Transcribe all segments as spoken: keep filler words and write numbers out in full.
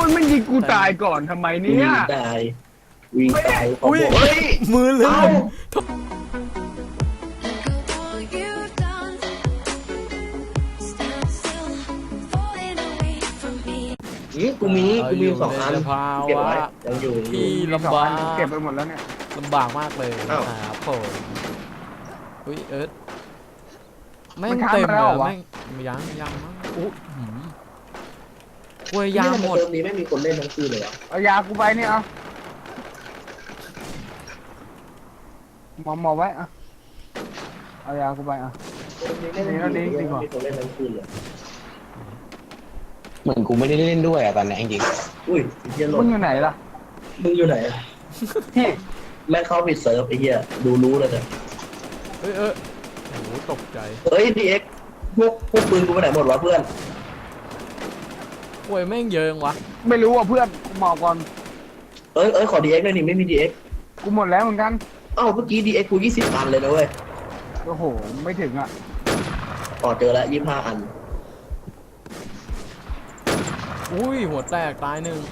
งไม่ยิงกูตายก่อนทำไมเนี่วิ่ยงตายวิ่งตายอุ้ยเฮ้ยมือลื่นนี่กูมีกูมีสองอันภาเก็บวะไว้ยังอยู่ยังอยู่ที่ลำบากเก็บไปหมดแล้วเนี่ยลำบากมากเลยอ้าวครับผมอุ้ยเอิร์ธแม่งเต็มเลยอะแม่งยังยังมั้งอุ้ยหืมกล้วยยางหมดเติมนี้ไม่มีคนเล่นทั้งคืนเลยอ่ะเอายากูไปเนี่ยเอาหมอหมอไว้อะเอายากูไปอ่ะเติมนี้ไม่ได้ดีมีดีกว่าคนเล่นทั้งคืนเลยเหมือนกูไม่ได้เล่นด้วยอะตอนนี้จริงอุ้ยไอ้เหี้ยหล่มึนงอยู่ไหนล่ะมึงอยู่ไหนอะแม่งเข้าปิดเซิร์ฟไอ้เหี้ยดูรู้เลยเนี่ยเอ้ยเออโอ้โหตกใจเฮ้ยดีเอ็กพวกพวกปืนกูไปไหนหมดวะเพื่อนกล้วยแม่งเยอะจังวะไม่รู้อ่ะเพื่อนกูหมอก่อนเอ้ยเอ้ยขอดีเอ็กหน่อยดิไม่มีดีเอ็กกูหมดแล้วเหมือนกันอ้าวเมื่อกี้ดีเอ็กกูยี่สิบอันเลยนะเว้ยโอ้โหไม่ถึงอ่ะอ๋อเจอแล้วยี่สิบห้าอันอุ้ยหัวแตกตายหนึ่ง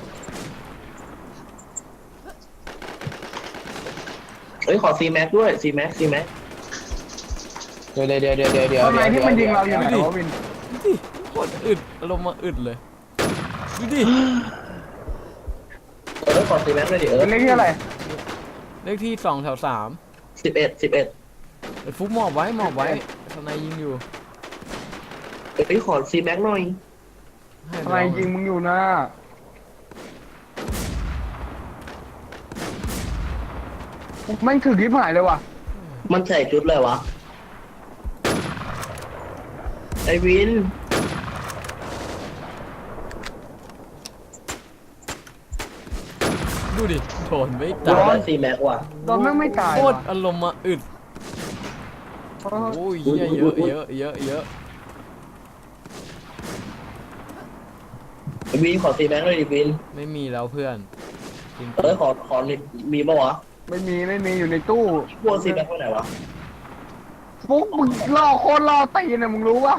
เอ้ยขอซีแม็กด้วยซีแม็กซีแม็กๆเดี๋ยวเดี๋ยวเดี๋ยวเดี๋ยวเดี๋ยวทำไมที่มันยิงเราอยู่ไหนดี๋วะวินดูดิโคตรอึดอารมณ์มาอึดเลยดูดิเออขอซีแม็กด้วยดิเออเป็นเลขที่อะไรเลขที่สองแถวสามสิบเอ็ดสิบเอ็ดไอ้ฟุกหมอบไว้หมอบไว้ทนายยิงอยู่เอ้ยขอซีแม็กหน่อยให้ทำไมยิงมึงอยู่นะแม่งถึงคลิปหายเลยว่ะมันใส่ชุดเลยวะไอวินดูดิโดนไม่โดตายนซีแม็กว่ะตอนแม่งไม่ตายโคตรว่ะอารมณ์มาอึดเออโอ้ยเยอะเยอะเยอะเยอะเยอะไอวินขอซีแม็กหน่อยดิวินไม่มีแล้วเพื่อนจริงเออขอขอนิดมีปะวะไม่มีไม่มีอยู่ในตู้พวกซีแม็กไปไหนวะฟุกมึงล่อโคตรล่อตีนนะมึงรู้ปะ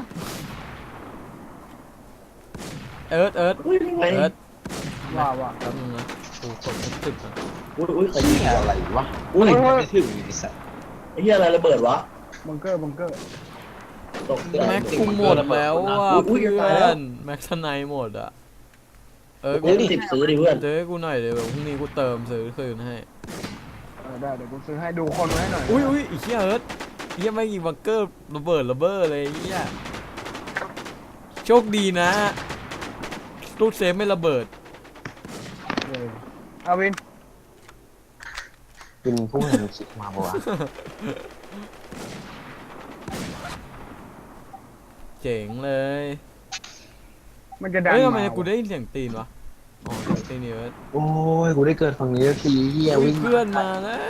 เอิร์ธเอิร์ธอุ้ยไงเอิร์ธว่าว่าแป๊บนึงนะกูกดไม่ติดนะอุ้ยอุ้ยใครยิเหี้งยอะไรวะอุ้ยไม่ถึงไอ้สัสไอ้เหี้ยอะไรระเบิดวะบังเกอร์บังเกอร์ตกใจแม็กกูหมดแล้วอ่ะอุ๊ยเพื่จะตายอแล้วนแม็กทนายหมดอ่ะเออเอ้ยสิบซื้อดิเพื่อนเจอให้กูหน่อยเดี๋ยวพรุ่งนี้กูเติมซื้อคืนให้เออได้เดี๋ยวกูซื้อให้ดูคนไว้หน่อยอุ้ยอุ้ยไอ้เหี้ยเอิร์ธไอ้เหี้ยไม่ยิงบังเกอร์ระเบิดระเบ้อเลยไอ้เหี้ยโชคดีนะตู้เซฟไม่ระเบิดเออเอาวินเป็นผู้เห็นคลิปมาปะวะเจ๋งเลยมันจะดันเฮ้ยทำไมมากูได้ยินเสียงตีนวะอ๋อเสียงตีนเอิร์ธโอ้ยกูได้เกิดฝั่งนี้สักทีเฮียอุ๊ยวิ่งเพื่อนมาแล้ว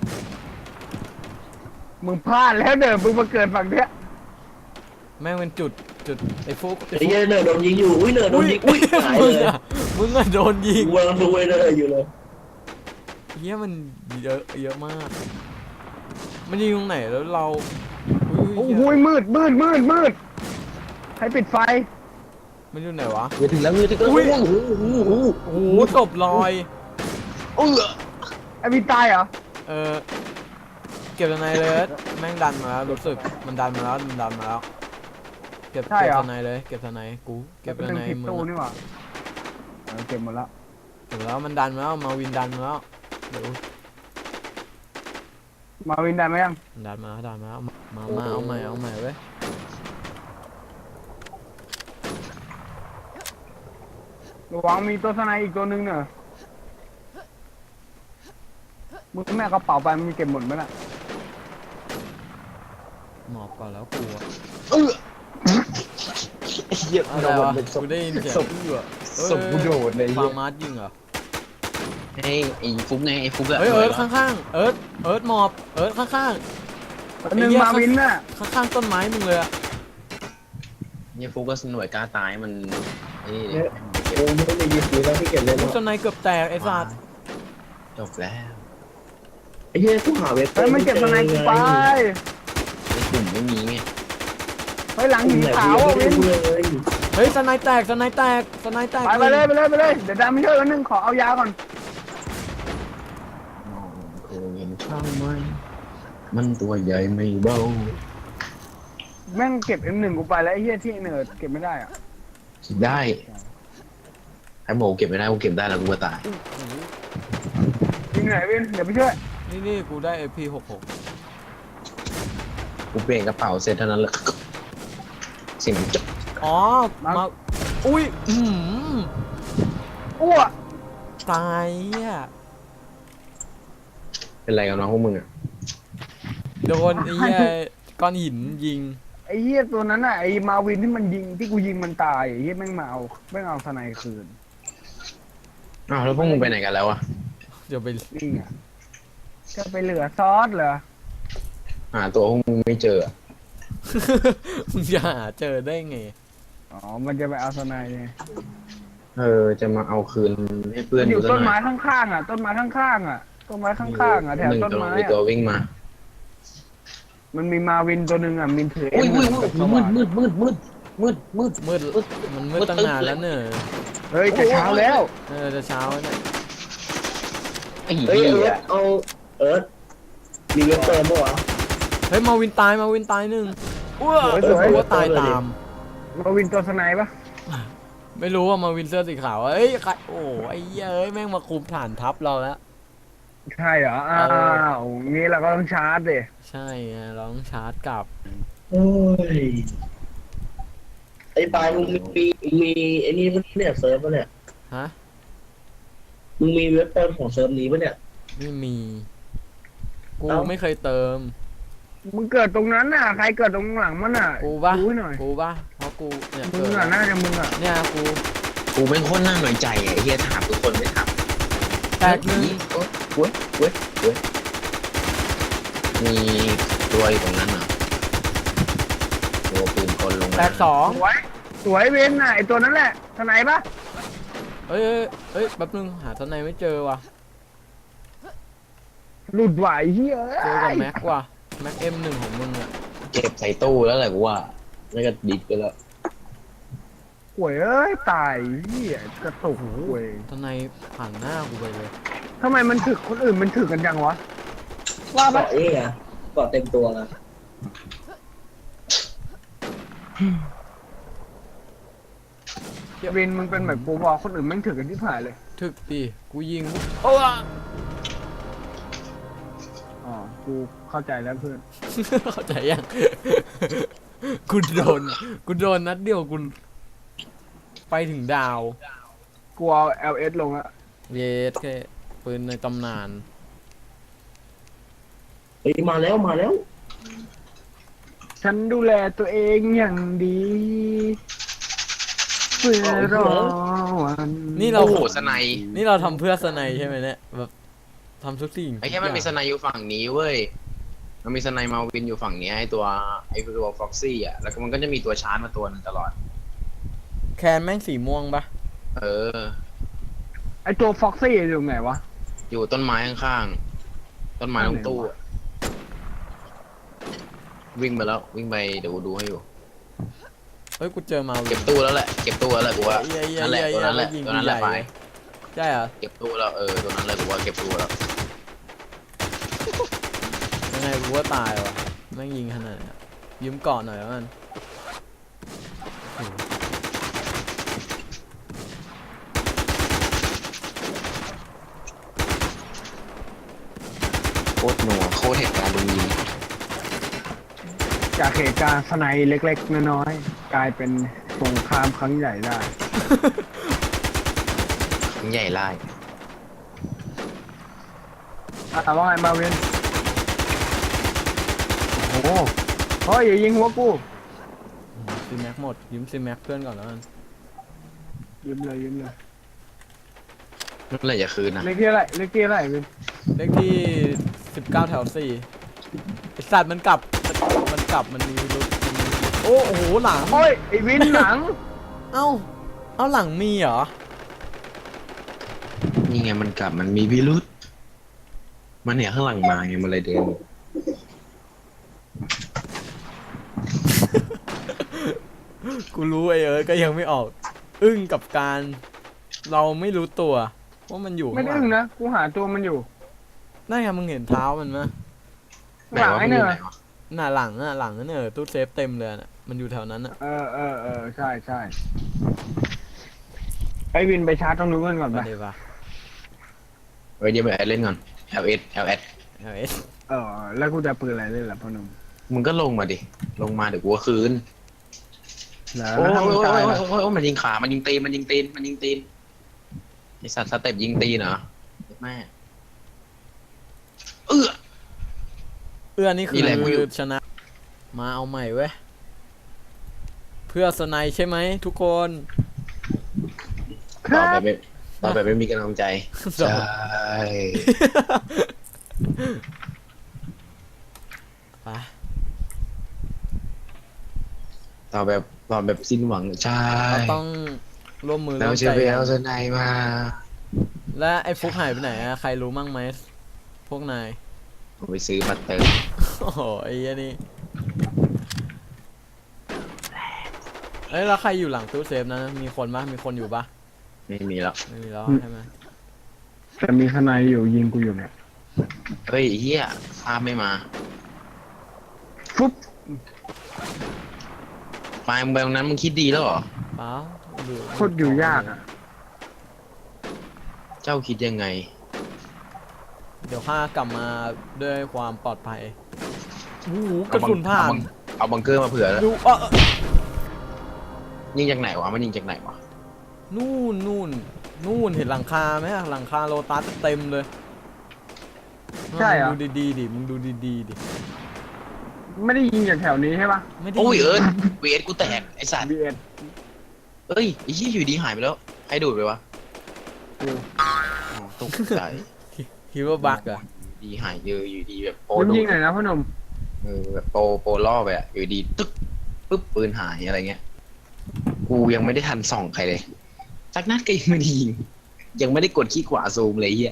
มึงพลาดแล้วเด้อมึงมาเกิดฝั่งเนี้ยแม่งเป็นจุดจุดไอ้ฟุกไอ้เหี้ยเนิร์ดโดนยิงอยู่อุ้ยเนิร์ดโดนยิงอุ้ยหายมึงเลยอะมึงอะโดนยิงกูกำลังดูไอ้เนิร์ดอยู่เลยเฮียมันเยอะเยอะมาก มันยิงตรงไหนแล้วเราโอ้ยโหมืดมืดมืดมืดให้ปิดไฟมันอยู่ไหนวะเดี๋ยวถึงแล้วเดี๋ยวถึงแล้วอุ๊ยโอ้โหโอ้โหโอ้โหศพลอยเออไอ้วินตายเหรอเออเก็บทนายเลยแม่งดันมาแล้วรู้สึกมันดันมาแล้วมันดันมาแล้วเก็บเก็บทนายเลยเก็บทนายกูเก็บเป็นทหนึ่งนายผิดมึงตู้อะนี่หว่าเออเก็บหมดแล้วเก็บแล้วมันดันมาแล้วมาวินดันมาแล้วเดี๋ยวมาวินได้ไหมยังมันดันมาแล้วดันมาแล้วมามาเอาใหม่เอาใหม่เว้ยระวังมีตัวสไนอีกตัวนึงเนอะมึงแม่กระเป๋าไปมึงเก็บหมดไหมล่ะหมอบก่อนแล้วกูอะเออเหี้ยอะไรโดวะนเป็นศกูพได้ยินเสียงศพอื้อศพกูโดดเลยฟาเหี้ยร์มาร์ยิงเหรอไอ้ไอ้ฟุกไงไอ้ฟุกอะเฮ้ยเอิร์ธข้างๆ เอิร์ธเอิร์ธหมอบ เอิร์ธข้างตัวหนึ่งมาวินน่ะๆ ข้างๆต้นไม้มึงเลยอะเนี่ยฟุกก็หน่วยกล้าตายมันไอ้นี่เนี่ยโอ้ไม่ได้ยิงปืนแล้วที่เก็บเล่นลูกจนในเกือบแตกไอ้สัตว์จบแล้วไอ้เหี้ยกูหาเว็บเฮ้ยมันเก็บสไนกูไปไอ้กลุ่มไม่มีไงเฮ้ยหลังหินไหนขาวกูอ่ะยังวิไม่นได้ดูเลยเฮ้ยสไนแตกสไนแตกสไนแตกไปไปเลยไปเลยไปเลยเดี๋ยวดำไม่ช่วยกันนึงขอเอายาก่อนเคยเห็นช่างไหมมันตัวใหญ่ไม่เบาแม่งเก็บ เอ็ม หนึ่ง กูไปแล้วไอ้เหี้ยที่เนิร์ดเก็บไม่ได้อ่ะได้ไอ้โมเก็บไม่ได้กูเก็บได้แล้วกูก็ตายยิงไหนวินเดี๋ยวไปช่วยนี่นี่กูได้ เอ พี หกหกกูเปลี่ยนกระเป๋าเสร็จเท่านั้นเลยเสียงมันจ๊กอ๋อมาอุ้ยอืมอ้วกตายอ่ะเป็นไรกันน้องพวกมึงอ่ะโดนไอ้เหี้ยก้อนหินยิงไอ้เหี้ยตัวนั้นน่ะไอ้มาวินที่มันยิงที่กูยิงมันตายไอ้เหี้ยแม่งมาเอาแม่งเอาสไนคืนอ้าวแล้วพวกมึงไปไหนกันแล้วอ่ะเดี๋ยวไปนี่ไงจะไปเหลือซอสเหรอหาตัวพวกมึงไม่เจออะมึงจะหาเจอได้ไงอ๋อมันจะไปเอาสไนไงเออจะมาเอาคืนให้เพื่อนมันอยู่ซะต้นหไม้อยข้างๆอ่ะต้นไม้ข้างๆอ่ะต้นไม้ข้างๆอ่ะแถวหนึ่งต้นกำลังไม้มีตัวอ่ะวิ่งมามันมีมาวินตัวหนึ่งอ่ะมินถืออุ้ยเอ็อุ้ยมอุ้ยกับสมืว่าดงมืดมืดมืดมืดมืดมืดมันมืดตั้งนานแล้วเนอะเฮ้ยจะเช้าแล้วเออจะเช้าแล้วเนี่ยไอ้เฮ้ยเหี้เอิร์ยธเอาเอิร์ธมีเว็บเติมปะวะเฮ้ยมาวินตายมาวินตายหนึ่งอ้วกว่าตายตามมาวินตัวสไนปะไม่รู้ว่ามาวินเสื้อสีขาวเอ้ยใครโอ้ไอ้เหี้ยเอ้ยแม่งมาคุมฐานทัพเราแล้วใช่เหรออ้าวงี้เราก็ต้องชาร์จดิใช่ไงเราต้องชาร์จกลับโอ้ยไอ้ปลายมึงมีมีไอ้นี่มันเนี่ยเซิร์ฟปะเนี่ยฮะมึงมีเว็บเติมของเซิร์ฟนี้ปะเนี่ยไม่มี กูเอ้าไม่เคยเติมมึงเกิดตรงนั้นน่ะใครเกิดตรงหลังมันน่ะกูปะดูให้หน่อยกูปะเพราะกูเนี่ยมึเกิงดอ่ะน่าจะมึงอ่ะเนี่ยกูกูเป็นคนน่าหน่อยใจอ่ะไอ้เฮียถามทุกคนไม่ถามแตกหนึ่งเว้ยเว้ยเว้ยมีตัวอยู่ตรงนั้นเหรอตัวปืนคนลงมาแตกสองสวยสวยเวนน่ะไอตัวนั้นแหละสไนปะเอ้ยเอ้ยเอ้ยแป๊บนึงหาทนายไม่เจอว่ะหลุดไหวเฮ้ยเจอกับแม็กว่ะแม็กเอ็มหนึ่งของมึงอะเก็บใส่ตู้แล้วแหละกูว่าแล้วก็ดิบไปแล้วหวยเอ้ยตายเฮียกระตุกหวยทนายผ่านหน้ากูไปเลยทำไมมันถึกคนอื่นมันถึกกันจังวะว่าปะเกาะนี่ไงเกาะเต็มตัวนะวินมึงเป็นแบบกูบอกคนอื่นแม่งถึกกันที่ผ่ายเลยถึกดิกูยิงโอ้อ๋อกูเข้าใจแล้วเพื่อนเข้าใจยัง กูโดนกูโดนนัดเดียวกูไปถึงดาวกูเอา แอล เอส ลงอะเยสแค่ปืนในตำนานเฮ้ยมาแล้วมาแล้วฉันดูแลตัวเองอย่างดีเพื่อรอวันนี่เราโอ้โหสไนยนี่เราทำเพื่อสไนใช่ไหมเนี่ยแบบทำทุกสิ่งไอ้แค่มันมีสไนยอยู่ฝั่งนี้เว้ยมันมีสไนยมาวินอยู่ฝั่งนี้ไอ้ตัวไอ้ตัวฟ็อกซี่อ่ะแล้วก็มันก็จะมีตัวชาร์จมาตัวหนึงตลอดแคนแม่งสีม่วงปะเออไอตัวฟ็อกซี่อยู่ไหนวะอยู่ต้นไม้ข้างๆ ต้นไม้ตรงตู้อะวิ่งไปแล้ววิ่งไปเดี๋ยวกูดูให้อยู่เฮ้ยกูเจอมาวิเก็นบตู้แล้วแหละ เก็บตู้แล้วแหละกูว่าเหี้ยเหี้ยนั่นแหละเหี้ยตัวนั้นแหละยิงตัวนั้นแหละใหญ่ไปเลย ใช่เหรอเก็บตู้แล้วเออตัวนั้นเลยกูว่าเก็บตู้แล้วยังไงกูว่าตายวะแม่งยิงขนาดนี้ยืมเกาะหน่อยแล้วกันโคตรหนัวโคตรเหตุการณ์โดนยิงจากเหตุการณ์สไนเล็กๆน้อยๆกลายเป็นสงครามครั้งใหญ่ได้ใหญ่ไล่อ่ะว่าไงมาเวนโอ้โหเฮ้ยอย่ายิงหัวกูซีแม็กหมดยืมซีแม็กเพื่อนก่อนแล้วกันยืมเลยยืมเลยเมื่อไหร่จะคืนนะเลขที่อะไรเลขที่อะไรเวนเลขที่สิบเก้าแถวสี่ไอสัตว์มันกลับมันกลับมันมีรถมันมีโอ้โอ้โหหลังโอ้ยไอวินหลังเอ้าเอ้าหลังมีเหรอนี่ไงมันกลับมันมีพิรุษมันเนี่ยข้างหลังมาไงมันเลยเดินกูรู้ไอ้เอิร์ธก็ยังไม่ออก อึ้งกับการ เราไม่รู้ตัวว่ามันอยู่ไม่ข้างหได้ลัอึ้งงนะกูหาตัวมันอยู่นั่นไงมึงเห็นเท้ามันไหมไหนหลังวะไอ้มันอเนี่ยู่ยไหนวะหน้าหลังอะหลังนั่นเออตู้เซฟเต็มเลยน่ะมันอยู่แถวนั้นอะเออเออเออใช่ใช่ไอ้วินไปชาร์จตรงนู้นกันก่อนไปไปดีป่ะเฮ้ยเดี๋ยวไปเล่นก่อน แอล เอส แอล เอสเอาเอสเออแล้วกูจะปืนอะไรเล่นล่ะพ่อหนุ่มมึงก็ลงมาดิ ลงมาเดี๋ยวกูก็คืนแล้วโอ้ยถ้าโอ้มึยงโอ้ตายยล่ะโอ้ยโอ้ยมันยิงขา มันยิงตีน มันยิงตีน มันยิงตีนไอสัตว์สเต็ปยิงตีนเหรอแม่เออเอื้อนี่คืนี่แหละกูอยู่อชนะ มาเอาใหม่เว้ยเพื่อสไนด์ใช่ไหมทุกคนคต่อรับไปไม่ต่อไปไม่มีกำลังใจ ใช่ไปต่อแบบต่อแบบสิ้นหวัง ใช่เราต้องร่วมมือแล้วร่วมจะใจไปกัเอานสไนมาและไอ้ฟุกหายไปไหนอะใครรู้มั่งไหมพวกนายผมไปซื้อมาเติมโอ้โหไอ้เหี้ยนี่เอ้ยแล้วใครอยู่หลังตู้เซฟนะมีคนปะมีคนอยู่ปะไม่มีแล้วไม่มีแล้วใช่ไหมแต่มีข้างในอยู่ยิงกูอยู่เนี่ยเฮ้ยไอ้เฮียภาพไม่มาฟุ๊บไปมึงไปตรงนั้นมึงคิดดีแล้วเหรอเปล่าดูโคตรอยู่ยากอ่ะเจ้าคิดยังไงเดี๋ยวข้ากลับมาด้วยความปลอดภัยโอ้โหกระสุนผ่านเอาบังเกอร์มาเผื่อแล้วดูเออเออยิงจากไหนวะ มันยิงจากไหนวะนู่นนู่นนู่นเห็นหลังคาไหมอะหลังคาโลตัสเต็มเลยใช่เหรอมึงดูดีๆดิมึงดูดีๆดิไม่ได้ยิงจากแถวนี้ใช่ปะไม่ได้โอ้ยเอิร์ธเวทกูแตกไอสัตว์บีเอสเอ้ยไอ้เหี้ยอยู่ดีหายไปแล้วใครดูดไปวะกูอ๋อตกใจคิดว่าบั๊กเหรอะอยู่ดีหายเจออยู่ดีแบบโปมึงดูยิดงหน่อยนะพ่อหนุ่มเออแบบโปโปล่อไปอะอยู่ดีตึ๊กปึ๊บปืนหายอะไรเงี้ย กูยังไม่ได้ทันส่องใครเลยสักนัดก็ยังไม่ได้ยิงยังไม่ได้กดขี้ขวาซูมเลยไอ้เหี้ย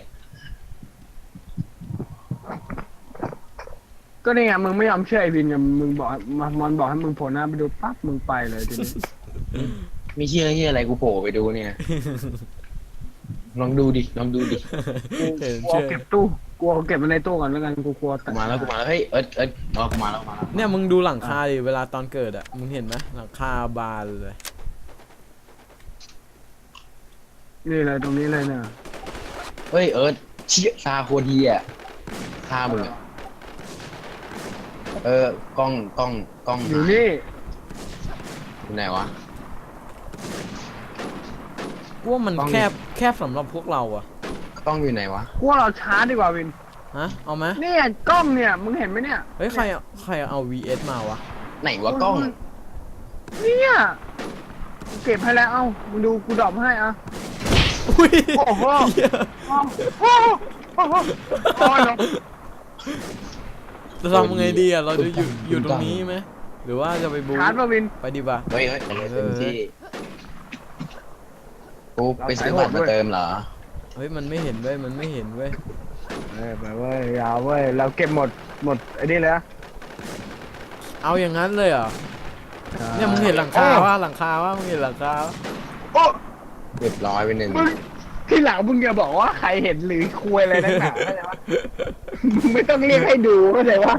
ก็นี่ไงมึงไม่ยอมเชื่อไอ้วินไงมึงบอกมามอนบอกให้มึงโผล่หน้าไปดูปั๊บมึงไปเลยทีนี้ไม่เชื่อเหี้ยอะไรกูโผล่ไปดูเนี่ย ลองดูดิลองดูดิเห็นกลัวเชื่อเก็บตู้กลัวเก็บมันในตู้ก่อนแล้วกันกูกลัวกูมาแล้วกูมาแล้วเฮ้ยเอิร์ธเอิร์ธรอกูมาแล้วกูมาแล้วเนี่ยมึงดูหลังคาดิเวลาตอนเกิดอะมึงเห็นไหมหลังคาบานเลยนี่เลยตรงนี้เลยเนี่ยเฮ้ยเอิร์ธเชี่ยตาโคตรเหี้ยตามึงอะเออกล้องกล้องกล้องอยู่นี่อยู่ไหนวะกูว่ามันต้องแคบแคบสำหรับพวกเราอะกล้องอยู่ไหนวะกูว่าเราช้าดีกว่าวินฮะเอาไหมเนี่ยกล้องเนี่ยมึงเห็นไหมเนี่ยเฮ้ยใครเอาใครเอา วี เอส มาวะไหนวะกล้องเนี่ยกูเก็บให้แล้วเอ้ามึงดูกูดรอปให้อ่ะอุ้ยโอ้โหเหี้ยโอ้โหโอ้โหโอ้โหจะทำไงดีอะเราจะอยู่อยู่ตรงนี้ไหมหรือว่าจะไปบูชาร์จมาวินไปดีป่ะเฮ้ยเฮ้ยเต็มที่กูไปซื้อบัตรมาเติมเหรอเฮ้ยมันไม่เห็นเว้ยมันไม่เห็นเว้ยเอ้ยไปเว้ยยาวเว้ยเราเก็บหมดหมดไอ้นี่เลยนะเอาอย่างนั้นเลยเหรอเนี่ยมึงเห็นหลังคาว่าหลังคาว่ามึงเห็นหลังคาปะโอ้เรียบร้อยไปหนึ่งมึงที่หลังมึงอย่าบอกว่าใครเห็นหรือคุยอะไรนักหนาเข้าใจปะมึงไม่ต้องเรียกให้ดูเข้าใจปะ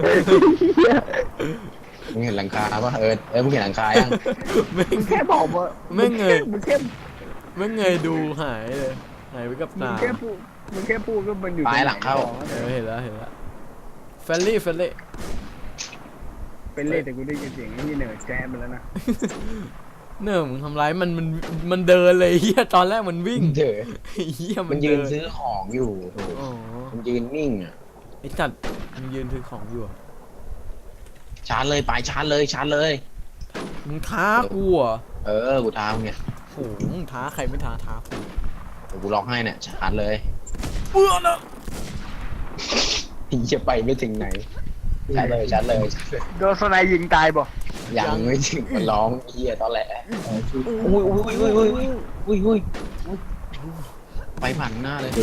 มึงเห็นหลังคาปะเออเออมึงเห็นหลังคายังไม่มึงแค่บอกว่าไม่เงยมึงแค่ไม่เงยดูหายเลยหายไปกับมึงตาแค่พูดมึงแค่พูดก็มันอยู่ปลายหลังเข้าเออเห็นแล้วเห็นแล้วเฟลลี่เฟลลี่เป็นเล่แต่กูได้ยินเสียงไอ้นี่เหนื่อยแจมไปแล้วนะเนื่อมึงทำร้ายมันมันมันเดินเลยเฮียตอนแรกมันวิ่งเถอะเฮียมันยืนเดิซื้อของอยู่โถอ๋อมันยืนนิ่งอ่ะไอ้จัดมันยืนถือของอยู่อะชาร์จเลยไปชาร์จเลยชาร์จเลยมึงท้ากูเหรอ่ะเออกูท้ามึงเนี่ยโอ้โหมึงท้าใครไม่ท้าท้ากูเดี๋ยวกูล็อกให้เนี่ยชาร์จเลยเบื่อนะพี่จะไปไม่ถึงไหนชาร์จเลยชาร์จเลยชาร์จเลยโดนสไนยิงตายบ่ยังไม่ถึงมันร้องเฮียตอนแหละอุ้ยอุ้ยอุ้ยอุ้ยอุ้ยอุ้ยไปผ่านหน้าเลย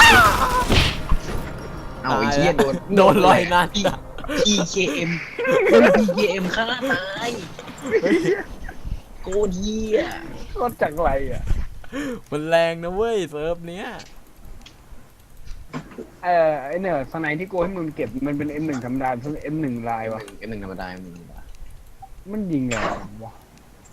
เอาไอ้เฮียโดนโดนลอยนั่นพีพีเคเอ็มพีเคเอ็มฆ่าตายโคตรเหี้ยก็จากไรอ่ะมันแรงนะเว้ยเซิร์ฟเนี้ยเออไอเนี่ยสไนที่กูให้มึงเก็บมันเป็น เอ็ม หนึ่ง ธรรมดาเป็น เอ็ม หนึ่ง ลายวะเอ็มหนึ่งธรรมดาเอ็มหนึ่งธรรมดามันยิงไงวะ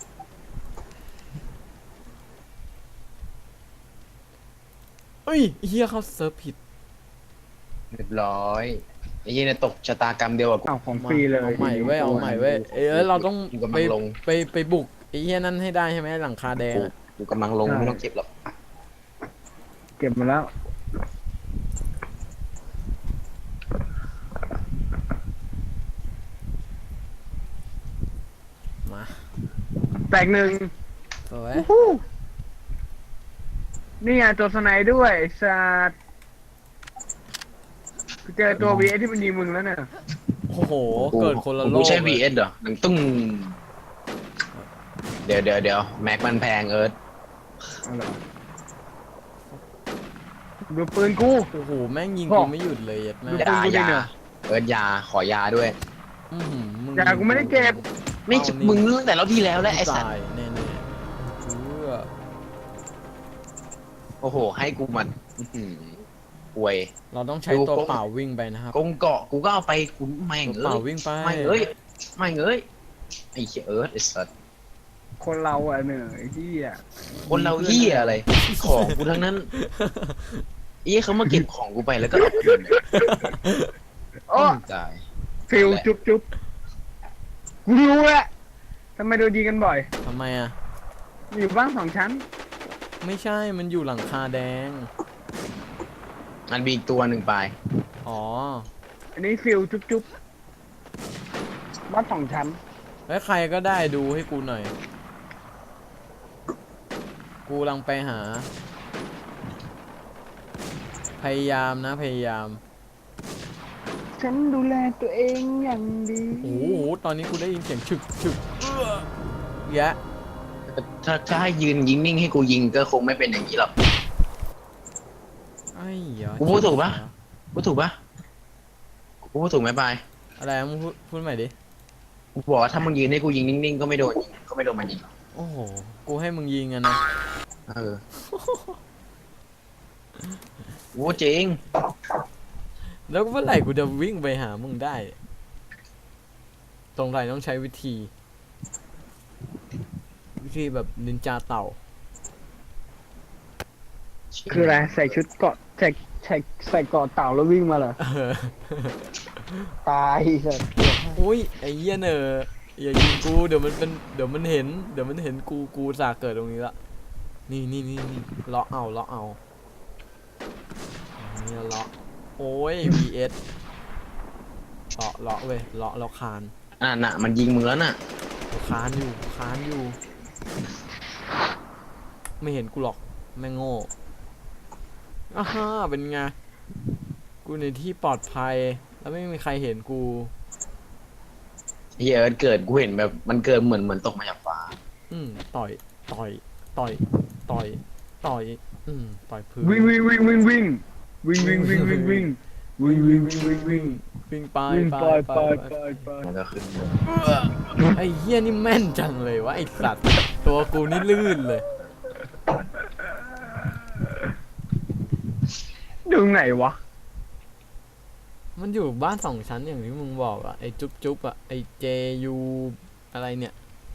เฮ้ยเฮียเข้าเซิร์ฟผิดเรียบร้อยไอ้เหี้ยเนี่ยตกชะตากรรมเดียวกับกูอ้าวของฟรีเลยเอาใหม่เว้ยเอาใหม่เว้ยเอ้ยเราต้องกูกำไปลังลงไปไปบุกไอ้เฮียนั่นให้ได้ใช่ไหมหลังคาแดงกูอะกูกำลังลงไม่ต้องเก็บหรอกเก็บมาแล้วมาแตกหนึ่งสวยฮู้นี่ไงตัวสไนด้วยไอ้สัตว์กูเจอตัว วี เอส ที่มันยิงมึงแล้วเนี่ยโอ้โหเกิดคนละโลกูกใช้เลยวี เอส เหรอหนังตุ้งเดี๋ยวเดี๋ยวเดี๋ยวแม็กมันแพงเอิร์ธเอาเหรอดูปืนกูโอ้โหแม่งยิงพ่กูอไม่หยุดเลยยัดแม่ดูยาปืนกูดิยาเนี่ยเอิร์ธยาขอยาด้วยอื้อหือมึงยากูไม่ได้เก็บไม่เอานี่มึงตั้งแต่รอบที่แล้วแล้วไอ้สัตว์ตายแน่ๆเพื่อโอ้โห ให้กูมันอื้อหือป่วยเราต้องใช้ดูตัวกล้องเปล่าวิ่งไปนะครับกงเกาะกูก็เอาไปกูแม่งตัวเปเอ้ล่าย วิ่งไปไม่เอ้ยไม่เอ้ยไอ้เหี้ยเอิร์ธไอ้สัตว์คนเราอ่ะเหนื่อยที่อ่ะคนเราเหี้ยอะไร ของกูทั้งนั้นเอ้ยเขามาเก็บของกูไปแล้วก็เอาคืนเนี่ยโอ้ตายฟิลจุ๊บจุ๊บกูรู้แหละทำไมโดนยิงกันบ่อยทำไมอ่ะอยู่บ้านสองชั้นไม่ใช่มันอยู่หลังคาแดงมันมีอีกตัวหนึ่งไปอ๋ออันนี้ฟิลจุ๊บจุ๊บบ้านสองชั้นแล้วใครก็ได้ดูให้กูหน่อย กูกำลังไปหา พยายามนะพยายามฉันดูแลตัวเองอย่างดีโอ้โห ตอนนี้กูได้ยินเสียงฉึกฉึกเอื้อแยะถ้าถ้าให้ยืนยิงนิ่งให้กูยิงก็คงไม่เป็นอย่างนี้หรอกไอ้เหรอกูพูดถูกปะ กูถูกปะกูพูดถูกไหมปายอะไรมึงพูดพูดใหม่ดิกูบอกว่าถ้ามึงยืนให้กูยิงนิ่งๆก็ไม่โดนยิงก็ไม่โดนมันยิงหรอกโอ้โห กูให้มึงยิงอะนะเออโอ้จริงแล้วเมื่อไหร่กูจะวิ่งไปหามึงได้ ตรงไหนต้องใช้วิธี วิธีแบบนินจาเต่าคืออะไรใส่ชุดเกราะใส่ใส่ใส่เกราะเต่าแล้ววิ่งมาเหรอเออตายสัสอุ้ยไอ้เหี้ยเนออย่ายิงกูเดี๋ยวมันเป็นเดี๋ยวมันเห็นเดี๋ยวมันเห็นกูกูสาเกิดตรงนี้ละนี่นี่นี่นี่เลาะเอาเลาะเอานี่เลาะโอ้ย วี เอส เลาะเลาะเว้ยเลาะเลาะคานอ่ะน่ะมันยิงมึงแล้วน่ะคานอยู่คานอยู่ ไม่เห็นกูหรอกแม่งโง่อ้าฮ่าเป็นไงกูในที่ปลอดภัยแล้วไม่มีใครเห็นกูเฮียเอิร์ธเกิดกูเห็นแบบมันเกิดเหมือนเหมือนตกมาจากฟ้าอืมต่อยต่อยต่อยต่อยต่อยอืมต่อยพื้นวิ่งวิ่งวิ่งวิ่งวิ่งวิ่งวิ่งวิ่งวิ่งวิ่งวิ่งวิ่งวิ่งวิ่งวิ่งวิ่งไปวิ่งไปไปไปไปไปไปมันก็ขึ้นไอ้เหี้ยนี่แม่นจังเลยวะไอ้สัตว์ตัวกูนี่ลื่นเลยดูไหนวะมันอยู่บ้านสองชั้นอย่างที่มึงบอกอะไอ้จุ๊บจุ๊บอะไอ้เจยูอะไรเนี่ย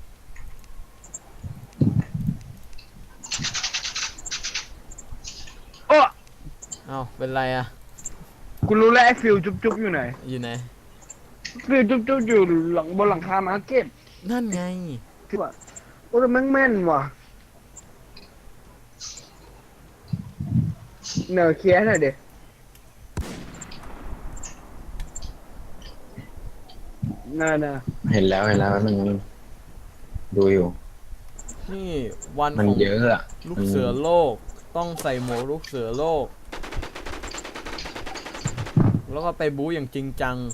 โอ้เอ้าเป็นไรอะกูรู้แล้วไอ้ฟิลจุ๊บจุ๊บอยู่ไหนอยู่ไหนฟิลจุ๊บจุ๊บอยู่หลังบนหลังคามาร์เก็ตนั่นไงที่ว่าโอ้แต่แม่งแม่นว่ะเนอเคลียร์หน่อยเด็น่าน่ะเห็นแล้วเห็นแล้วมันดูอยู่นี่วันมันของเยอะอะลูกเสือโลกต้องใส่หมวกลูกเสือโลก แล้วก็ไปบู๊อย่างจริงจัง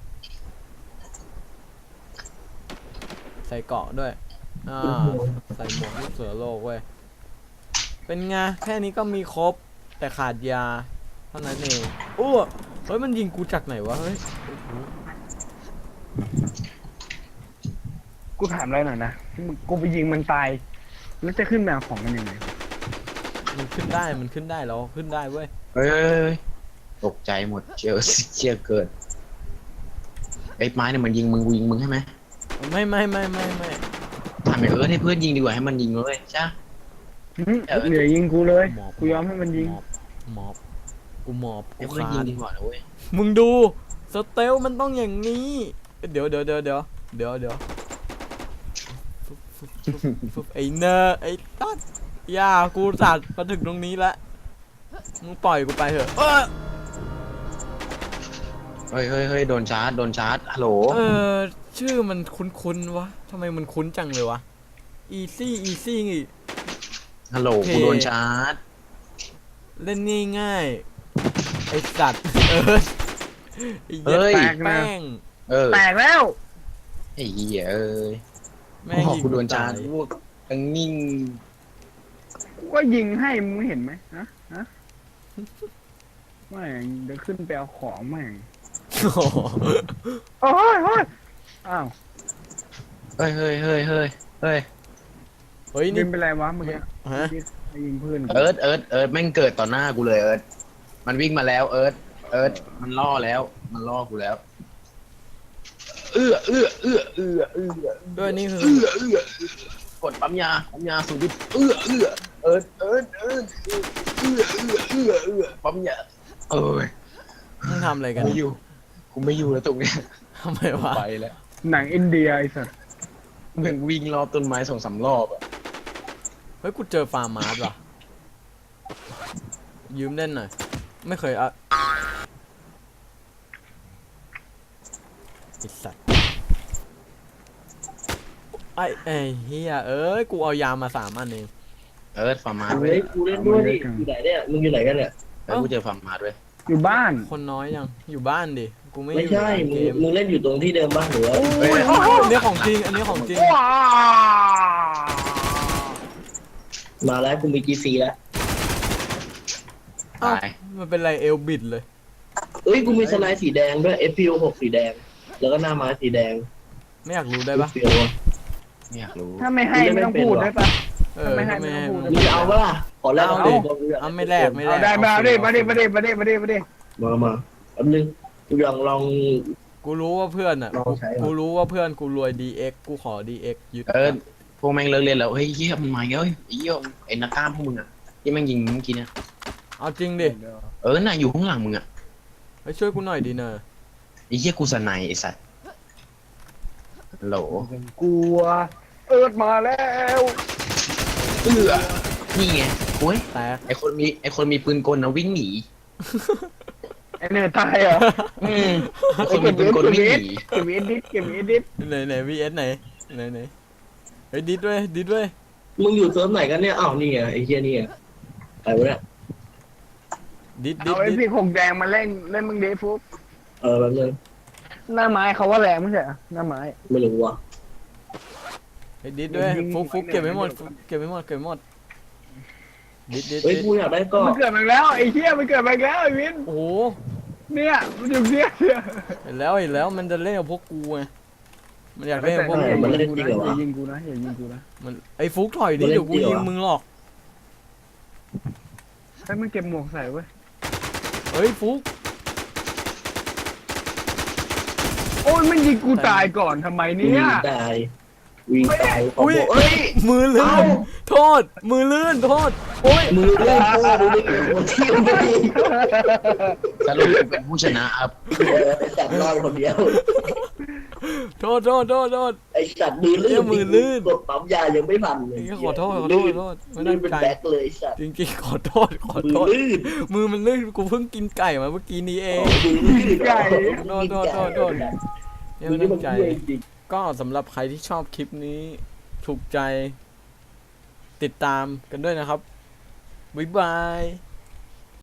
ใส่เกราะด้วยอ่าใส่หมวกลูกเสือโลกเว้ยเป็นไงแค่นี้ก็มีครบแต่ขาดยาเท่านั้นเองอ้วเฮ้ยมันยิงกูจากไหนวะเฮ้ยโอ้โหกูกูถามอะไรหน่อยนะกูไปยิงมันตายแล้วจะขึ้นมาของมันยังไงมันขึ้นได้มันขึ้นได้แล้วขึ้นได้เว้ยเฮ้ยเฮ้ยเฮ้ยตกใจหมดเชียวเชียเกิดไอ้ไม้เนี่ยมันยิงมึงกูยิงมึงใช่ไหมไม่ไม่ไม่ไม่ไม่ทำไมเออให้เพื่อนยิงดีกว่าให้มันยิงเลยใช่หืมเหนื่อยยิงกูเลยหมอบกูยอมให้มันยิงหมอบหมอบกูหมอบให้กูเพื่อนคายิงนดีกว่านะเว้ยมึงดูสเตลมันต้องอย่างนี้เดี๋ยวเดี๋ยวเดี๋ยวเดี๋ยวเดี๋ยวเดี๋ยวฟึบฟึบฟึบฟึบไอ้เนอร์ไอ้ตัดอย่ากูสัตว์มาถึงตรงนี้แล้วมึงปล่อยกูไปเถอะเออเฮ้ยเฮ้ยเฮ้ยโดนชาร์จโดนชาร์จฮัลโหลเออชื่อมันคุ้นๆวะทำไมมันคุ้นจังเลยวะ easy easy ไงฮัลโหลโอเคกูโดนชาร์จเล่นง่ายๆไอ้สัตว์เออไอ้เหี้ยเฮ้ยแตกแม่งเออแตกแล้วไอ้เหี้ยเอ้ยแม่งโอ้ยิงกูโดนชาร์จตยพวกทั้งนิ่งกูก็ยิงให้มึงไม่เห็นไหมฮะฮะแม่งเดี๋ยวขึ้นไปเอาของแม่งโอ้โหโอ้ยโอ้ยอ้าวเฮ้ยเฮ้ยเฮ้ยเฮ้ยเฮ้ยเฮ้ยยินี่งเป็นไรวะเมื่อกี้ฮะไปยิงเพื่อนกูเอิร์ธเอิร์ธเอิร์ธแม่งเกิดต่อหน้ากูเลยเอิร์ธมันวิ่งมาแล้วเอิร์ธเอิร์ธมันล่อแล้ว มันล่อกูแล้ว เอื้อเอื้อเอื้อเอื้อเอื้อด้วยนี่คือเอื้อเอื้อเอื้อกดปั๊มยาปั๊มยาสูบดิบเอื้อเอื้อเอิร์ธเอิร์ธเอิร์ธเอื้อเอื้อเอื้อเอื้อปั๊มยาเอ้ยมึงทำอะไรกันไม่อยู่กูไม่อยู่แล้วตรงเนี้ยทำไมวะไปแล้วหนังอินเดียไอ้สัสมึงวิ่งรอบต้นไม้สองสามรอบอะเฮ้ยกูเจอฟาร์มมาร์สว่ะยืมเล่นหน่อยไม่เคยอะไอ้สัตว์ไอ้ไอ้เฮียเอ้ยกูเอายามาสามอันเองเอิร์ธฟาร์มาร์เฮ้ด้วยยกูเล่นด้วยดิอยู่ไหนเนี่ยมึงอยู่ไหนกันเนี่ยเอิร์ธกูเจอฟาร์มาร์ด้วยอยู่บ้านคนน้อยยังอยู่บ้านดิกูไม่อไม่ยู่ใช่ในมึงเกมมึงเล่นอยู่ตรงที่เดิมบ้างหรือว่าโอ้ยโอ้ยอันนี้ของจริงอันนี้ของจริงว้ามาแล้วกูมีจีซีแล้วเอ้าตายมันเป็นไรเอลบิดเลยเอ้ยกูมีสไนด์สีแดงด้วย เอฟ พี โอ หกสีแดง แล้วก็หน้าไม้สีแดงไม่อยากรู้ได้ปะเฟียวอะไม่อยากรู้ถ้าไม่ให้ไม่ต้องพูดได้ปะเออไม่ให้ไม่ให้ไม่ต้องพูดมึมึงงจะเอาปะล่ะขอแลกเอาเอาดิดิเอาไม่แลกไม่แลเอากได้มาดิมาดิมาดิมาดิมาดิมาดิมามาแป๊บนึงกูลองลองกูรู้ว่าเพื่อนอ่ะลองใช้ก่อนกูรู้ว่าเพื่อนกูรวย ดี เอ็กซ์ กูขอ ดี เอ็กซ์ ยึดเออพวกแม่งเลิกเรียนแล้วเฮ้ยเหี้ยมันมาอีกแล้วเฮ้ยไอ้เหี้ยไอ้นักกล้ามพวกมึงอ่ะที่แม่งยิงเมื่อกี้เนี่ยเอาจริงดิเออน่ะอยู่ข้างหลังมึงอ่ะไปช่วยกูหน่อยดิเนอะไอ้เหี้ยกูสนายไอ้สัตว์ฮัลโหลกลัว เอิร์ดมาแล้วเอื้อนี่ไงโอ้ยแตกไอคนมีไอคนมีปืนกลนะวิ่งหนีไอ้เนื้อตายเหรออืมไอคนมีปืนกลวิ่งหนีเก็บเอดิสเก็บเอดิสไหนไหน วี เอส ไหนไหนไหนเฮ้ยดิดด้วยดิดด้วยมึงอยู่เซิร์ฟไหนกันเนี่ยอ้าวนี่ไงไอ้เหี้ยนี่ไงไปวะเนี่ยดิดดิเอาดไอ้ดิดพี่หงแดงมาเล่นเล่นมึงเดฟุกเออแป๊บนึงหน้าไม้เขาว่าแรงไม่ใช่เหรอหน้าไม้ไม่รู้ว่ะเฮ้ยดิดด้วยยิงฟุกฟุกยิงเก็บไว้หมดยิงฟุกเก็บไว้หมดเก็บไว้หมดดิดดิดเฮ้ยดิดกูอยากได้ก็มันเกิดมาแล้วไอ้เหี้ยมันเกิดมาแล้วไอ้วินโอ้โหเนี่ยมันอยู่เนี่ยเนี่ยเห็นแล้วเห็นแล้วมันจะเล่นกับพวกกูไงมันอยากเล่นกับพวกอย่ากูยิงกูนะอย่ายิงกูนะมันไอ้ฟุกถอยดิเดี๋ยวกูยิงมึงหรอกให้มันเก็บหมวกใส่เว้ยเฮ้ยฟุกโอ้ยมันยิงกูตายก่อนทำไมวิ่เนี่ยงตายวิ่งตายอุ้ยเอ้ยมือลื่นโทษ มือลื่นโทษโอ้ยมือเล่นโป้ดูดิโอ้ที่มันไม่ดีสรุปกูเป็นผู้ชนะครับไอ้สัตว์รอดคนเดียวโทษโทษโทษโทษไอ้สัตว์มือลื่เหี้นยมือลื่นกดปั๊มยายังไม่ทันเลยขอโทษขอโทษขอโทษไม่ลื่ตั้นงเป็นใจแบ็คเลยไอ้สัตว์จริงๆขอโทษขอมืโทอษลื่นมือมันลื่นกูเพิ่งกินไก่มาเมื่อกี้นี้เองมือลื่นไก่โทษโทษโทษโทษมืไม่อนี่ตั้มันงใจเยี่ยจริงก็สำหรับใครที่ชอบคลิปนี้ ถูกใจ ติดตามกันด้วยนะครับ บ๊ายบาย